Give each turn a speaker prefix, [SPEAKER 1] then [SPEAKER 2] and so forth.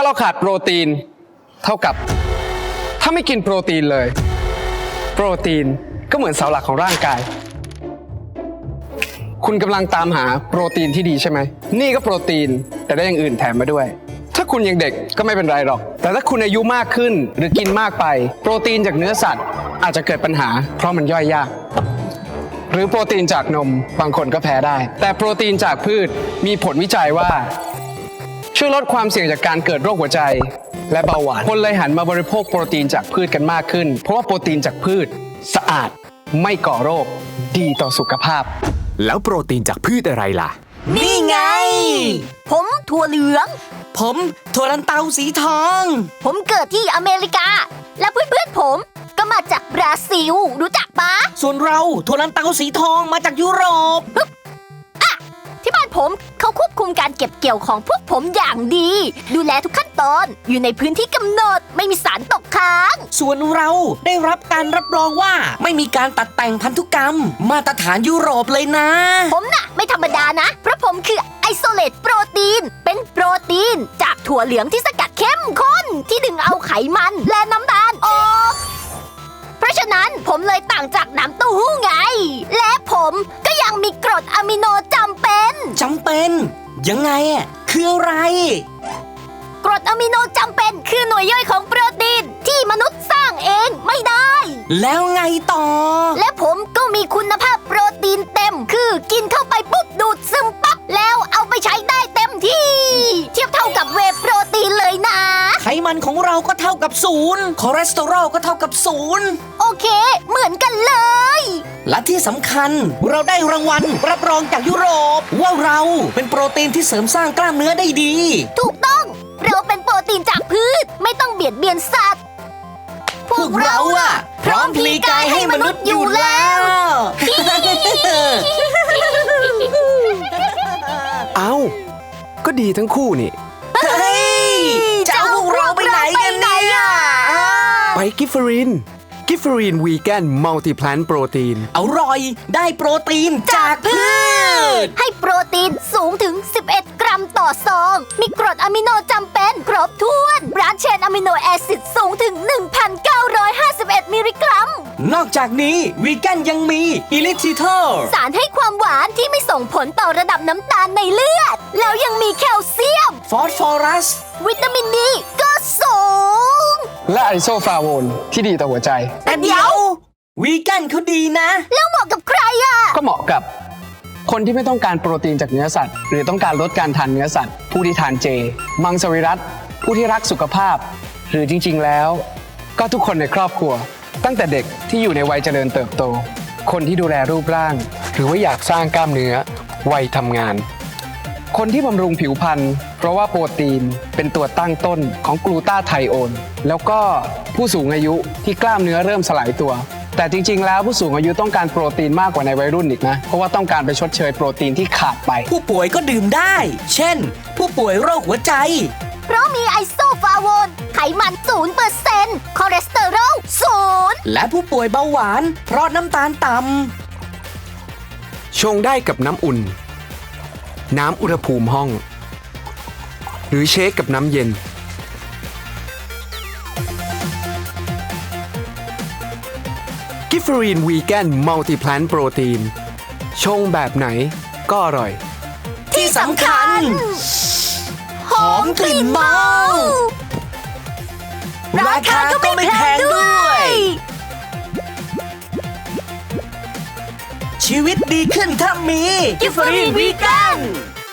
[SPEAKER 1] เราขาดโปรตีนเท่ากับถ้าไม่กินโปรตีนเลยโปรตีนก็เหมือนเสาหลักของร่างกายคุณกำลังตามหาโปรตีนที่ดีใช่ไหมนี่ก็โปรตีนแต่ได้อย่างอื่นแถมมาด้วยถ้าคุณยังเด็กก็ไม่เป็นไรหรอกแต่ถ้าคุณอายุมากขึ้นหรือกินมากไปโปรตีนจากเนื้อสัตว์อาจจะเกิดปัญหาเพราะมันย่อยยากหรือโปรตีนจากนมบางคนก็แพ้ได้แต่โปรตีนจากพืชมีผลวิจัยว่าช่วยลดความเสี่ยงจากการเกิดโรคหัวใจและเบาหวานคนเลยหันมาบริโภคโปรตีนจากพืชกันมากขึ้นเพราะว่าโปรตีนจากพืชสะอาดไม่ก่อโรคดีต่อสุขภาพ
[SPEAKER 2] แล้วโปรตีนจากพืชอะไรล่ะ
[SPEAKER 3] นี่ไงผมถั่วเหลือง
[SPEAKER 4] ผมถั่วลันเตาสีทอง
[SPEAKER 3] ผมเกิดที่อเมริกาและเพื่อนๆผมก็มาจากบราซิลรู้จักปะ
[SPEAKER 4] ส่วนเราถั่วลันเตาสีทองมาจากยุโรป
[SPEAKER 3] ที่บ้านผมเขาควบคุมการเก็บเกี่ยวของพวกผมอย่างดีดูแลทุกขั้นตอนอยู่ในพื้นที่กำหนดไม่มีสารตกค้าง
[SPEAKER 4] ส่วนเราได้รับการรับรองว่าไม่มีการตัดแต่งพันธุกรรมมาตรฐานยุโรปเลยนะ
[SPEAKER 3] ผมน่ะไม่ธรรมดานะเพราะผมคือไอโซเลตโปรตีนเป็นโปรตีนจากถั่วเหลืองที่สกัดเข้มข้นที่ดึงเอาไขมันและน้ำตาลออกเพราะฉะนั้นผมเลยต่างจากน้ำเต้าหู้ไงและผมก็ยังมีกรดอะมิโนจำเป็น
[SPEAKER 4] ยังไงคืออะไร
[SPEAKER 3] กรดอะมิโนจำเป็นคือหน่วยย่อยของโปรตีนที่มนุษย์สร้างเองไม่ได้
[SPEAKER 4] แล้วไงต่อ
[SPEAKER 3] และผมก็มีคุณภาพโปรตีนเต็มคือกินเข้าไปปุ๊บดูดซึมปั๊บแล้วเอาไปใช้ได้เต็มที่เทียบเท่ากับเวย์โปรตีนเลยนะ
[SPEAKER 4] ไขมันของเราก็เท่ากับ0คอเลสเตอรอลก็เท่ากับ0
[SPEAKER 3] โอเคเหมือนกันเลย
[SPEAKER 4] และที่สำคัญเราได้รางวัลรับรองจากยุโรปว่าเราเป็นโปรตีนที่เสริมสร้างกล้ามเนื้อได้ดี
[SPEAKER 3] ถูกต้องเราเป็นโปรตีนจากพืชไม่ต้องเบียดเบียนสัตว์
[SPEAKER 4] พวกเราพร้อมพลีกายให้มนุษย์อยู่แล้ว
[SPEAKER 1] เอ้าก็ดีทั้งคู่นี่
[SPEAKER 4] เฮ้ยจะเอาพวกเราไปไหนกันเนี่ย
[SPEAKER 1] ไปกิฟเฟอรีนวีแกนมัลติแพลนโปรตีน
[SPEAKER 4] อร่อยได้โปรตีนจากพืช
[SPEAKER 3] ให้โปรตีนสูงถึง11 กรัมต่อซองมีกรดอะมิโนจำเป็นครบถ้วนบรานช์เชนอะมิโนแอซิดสูงถึง 1,951 มิลลิกรัม
[SPEAKER 4] นอกจากนี้วีแกนยังมีอิลิทิเทอร์
[SPEAKER 3] สารให้ความหวานที่ไม่ส่งผลต่อระดับน้ำตาลในเลือดแล้วยังมีแคลเซียม
[SPEAKER 4] ฟอสฟอรัส
[SPEAKER 3] วิตามินดีก็สูง
[SPEAKER 1] และไอโซฟลาโวนที่ดีต่อหัวใจ
[SPEAKER 4] แต่เดี๋ยววีแกนเขาดีนะ
[SPEAKER 3] แล้วเหมาะกับใคร
[SPEAKER 1] ก็เหมาะกับคนที่ไม่ต้องการโปรตีนจากเนื้อสัตว์หรือต้องการลดการทานเนื้อสัตว์ผู้ที่ทานเจมังสวิรัติผู้ที่รักสุขภาพหรือจริงๆแล้วก็ทุกคนในครอบครัวตั้งแต่เด็กที่อยู่ในวัยเจริญเติบโตคนที่ดูแลรูปร่างหรือว่าอยากสร้างกล้ามเนื้อวัยทำงานคนที่บำรุงผิวพรรณเพราะว่าโปรตีนเป็นตัวตั้งต้นของกลูตาไทโอนแล้วก็ผู้สูงอายุที่กล้ามเนื้อเริ่มสลายตัวแต่จริงๆแล้วผู้สูงอายุต้องการโปรตีนมากกว่าในวัยรุ่นอีกนะเพราะว่าต้องการไปชดเชยโปรตีนที่ขาดไป
[SPEAKER 4] ผู้ป่วยก็ดื่มได้เช่นผู้ป่วยโรคหัวใจ
[SPEAKER 3] เพราะมีไอโซฟลาโวนไขมัน 0% คอเลสเตอรอล 0
[SPEAKER 4] และผู้ป่วยเบาหวานเพราะน้ำตาลต่ำ
[SPEAKER 1] ชงได้กับน้ำอุ่นน้ำอุณหภูมิห้องหรือเชคกับน้ำเย็นกิฟเฟอรีนวีแกนมัลติแพลนโปรตีนชงแบบไหนก็อร่อย
[SPEAKER 4] ที่สำคัญหอมกลิ่นเมาราคาก็ไม่แพงด้วยชีวิตดีขึ้นถ้ามีกิฟเฟอรีนวีแกน